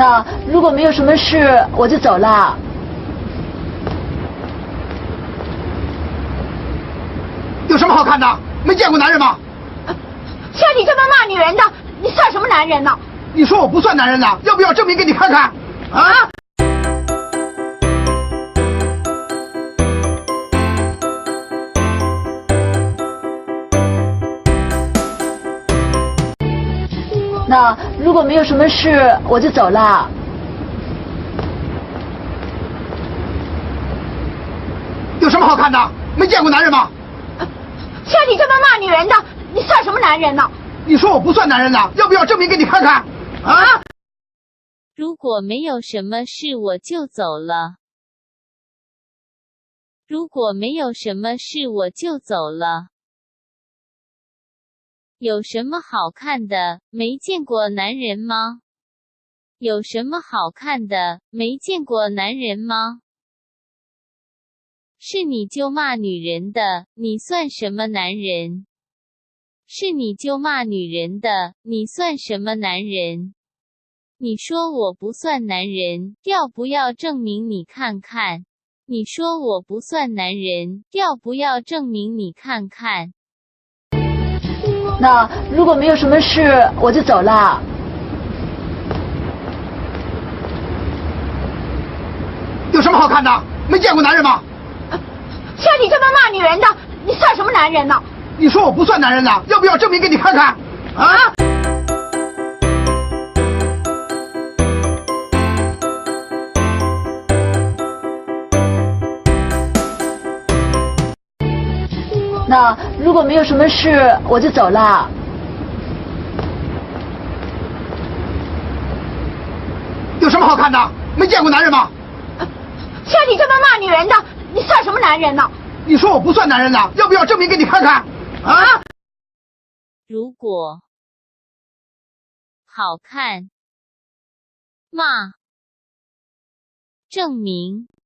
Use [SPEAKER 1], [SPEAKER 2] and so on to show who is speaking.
[SPEAKER 1] 那如果没有什么事，我就走了。
[SPEAKER 2] 有什么好看的？没见过男人吗？
[SPEAKER 3] 像你这么骂女人的，你算什么男人呢？
[SPEAKER 2] 你说我不算男人呢？要不要证明给你看看？啊！
[SPEAKER 1] 那如果没有什么事，我就走了。
[SPEAKER 2] 有什么好看的？没见过男人吗？
[SPEAKER 3] 像你这么骂女人的，你算什么男人呢？
[SPEAKER 2] 你说我不算男人呢？要不要证明给你看看？啊！
[SPEAKER 4] 如果没有什么事，我就走了。如果没有什么事，我就走了。有什么好看的？没见过男人吗？有什么好看的？没见过男人吗？是你就骂女人的，你算什么男人？是你就骂女人的，你算什么男人？你说我不算男人，要不要证明你看看？你说我不算男人，要不要证明你看看？
[SPEAKER 1] 那如果没有什么事，我就走了。
[SPEAKER 2] 有什么好看的？没见过男人吗？
[SPEAKER 3] 像你这么骂女人的，你算什么男人呢？
[SPEAKER 2] 你说我不算男人呢？要不要证明给你看看？啊！
[SPEAKER 1] 那如果没有什么事，我就走了。
[SPEAKER 2] 有什么好看的？没见过男人吗？
[SPEAKER 3] 像你这么骂女人的，你算什么男人呢？
[SPEAKER 2] 你说我不算男人呢？要不要证明给你看看？啊！
[SPEAKER 4] 如果好看，骂，证明。